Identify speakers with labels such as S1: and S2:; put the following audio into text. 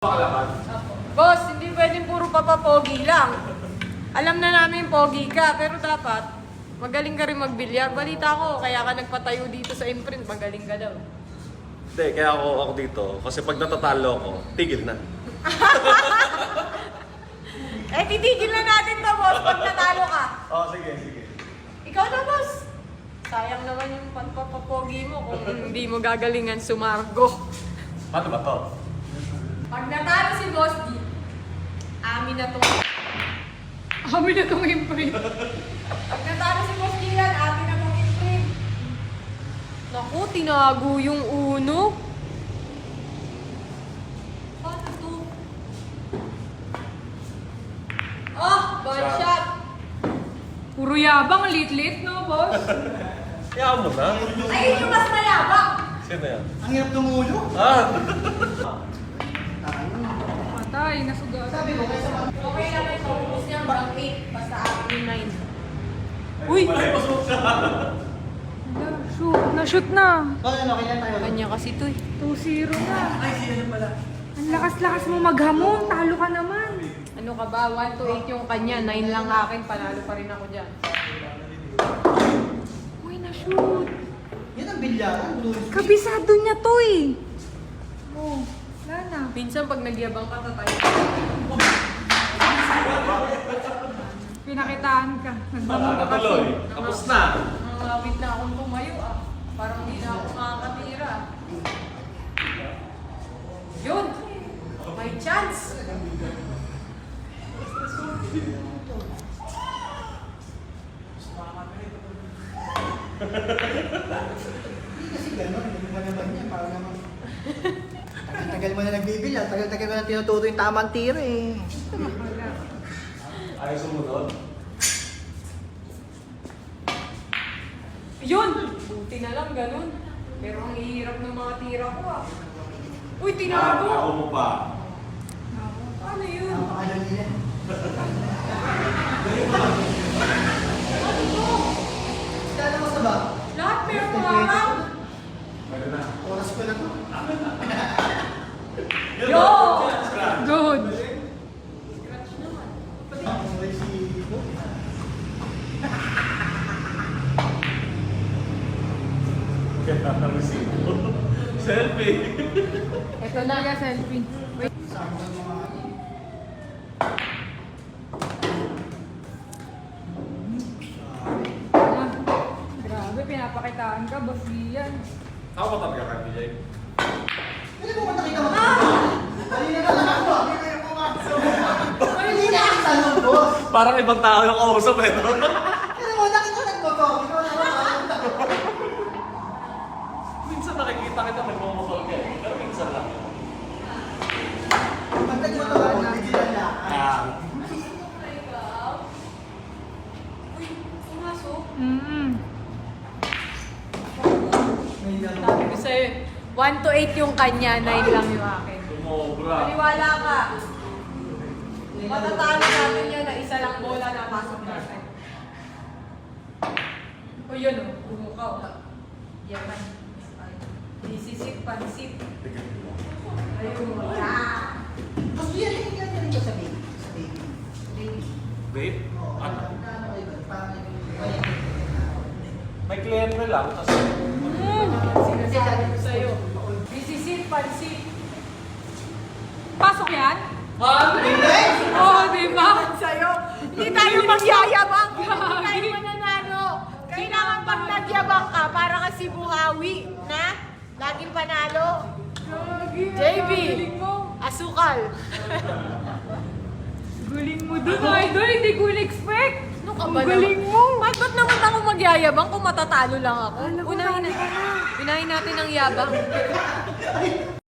S1: Boss, hindi pwedeng puro papapogi lang. Alam na namin pogi ka, pero dapat magaling ka rin magbilyar. Balita ko, kaya ka nagpatayo dito sa imprint, magaling ka daw.
S2: Hindi, kaya ako dito. Kasi pag natatalo ako, tigil na.
S1: Eh, titigil na natin to, boss, pag natalo ka.
S2: Oo, sige.
S1: Ikaw na, boss. Sayang naman yung papapogi mo kung hindi mo gagalingan sumargo.
S2: Paano ba to?
S1: Pag natalo si Boss D, amin na tong imprint. Pag natalo si Boss D yan, amin na tong imprint. Naku, tinago yung uno. Paano to? Oh, ball shot.
S3: Puro yabang, lit-lit, no, boss?
S2: Kaya mo na.
S1: Ayun yung mas mayabang.
S2: Sino yan?
S4: Ang hirap tumulo.
S3: Patay, nasugat.
S4: Sabi ko, kaysa
S1: Okay lang may kaubos niya hanggang 8, basta akin yung 9. Uy!
S3: Hala, shoot. Na-shoot na.
S4: ano, kailan tayo?
S1: Kanya kasi to eh.
S3: 2-0 na.
S4: Ay, sino pala?
S3: Ang lakas-lakas mo maghamon. Talo ka naman.
S1: Ano ka ba? 1 to 8 yung kanya, 9 lang akin, panalo pa rin ako dyan.
S3: Uy, na-shoot.
S4: Yan ang bilyaran.
S3: Kabisado niya to eh. Oh, wala na.
S1: Minsan pag nagyabang ka, tatay.
S3: Pinakitaan ka. Nagdamon ka kasi.
S2: Tapos na.
S1: Nangawit na akong tumayo ah. Parang hindi na ako makakatira. Yun! May chance!
S4: Kasi gano'n, hindi mo naman yan. Para naman. Tagal mo na nagbibilya. Tagal mo na tinuturo yung tamang tira eh.
S3: Wala.
S2: Ayaw sumunod.
S1: Yun! Buti na lang ganun. Pero ang hihirap ng mga tira ko ah. Uy, tinago!
S2: Ako mo pa.
S1: Ano yun?
S4: Ano nila?
S1: Ano to?
S4: Kala mo sa ba?
S1: Lahat meron harap!
S2: Pwede na.
S4: Oras ko na to.
S1: Yo!
S3: Good.
S1: Scratch naman.
S4: Ang resibo.
S2: Kaya ang resibo. Selfie.
S1: Ito na.
S3: Kaya selfie. Wait.
S4: Saan ba mga ano?
S3: Ah, grabe, pinapakitaan ka, boss Gian.
S2: Ako ba talaga kay BJ?
S4: Pwede mo ba nakita mo? Kanina ka lang ako. Hindi kayo pumasok. Hindi na ang tanong, boss.
S2: Parang ibang tao yung kausap eh. No?
S4: Kaya mo, nakita nagbabaw. Ikaw na ako.
S2: Minsan nakikita kita nagmamahal ka eh. Pero minsan lang.
S4: Pag nagbabaw, bigilan na.
S1: Uy, pumasok. Sabi ko sa'yo, 1 to 8 yung kanya, 9 lang yung akin.
S2: Sumobra.
S1: Paniwala ka. Matatalo natin yan na isa lang bola na pasok natin. O yun o, bumukaw. Yaman. Isisit, pansit. Ayun mo.
S4: Gusto yan, hindi ka rin ko sa baby. Sa baby. Baby.
S2: Babe?
S4: Oo,
S2: Ano?
S4: ano kayo ba? Parang
S2: May kliyente lang kasi.
S1: Sinasabi ko sa'yo. Isisit, pansit.
S3: Pasok yan?
S1: Oo, oh, diba? Sa'yo. Hindi tayo magyayabang. Hindi tayo mananalo. Kailangan pag nagyabang ka, para kasi buhawi na laging panalo. JB,
S3: Galing mo.
S1: asukal.
S3: Galing mo dun, idol. Hindi ko in-expect.
S1: Ano ka
S3: Ang
S1: ba
S3: galing
S1: naman?
S3: mo.
S1: Ba't naman ako magyayabang kung matatalo lang ako?
S3: Alam ko,
S1: Unahin
S3: nani ka na.
S1: unahin natin ang yabang.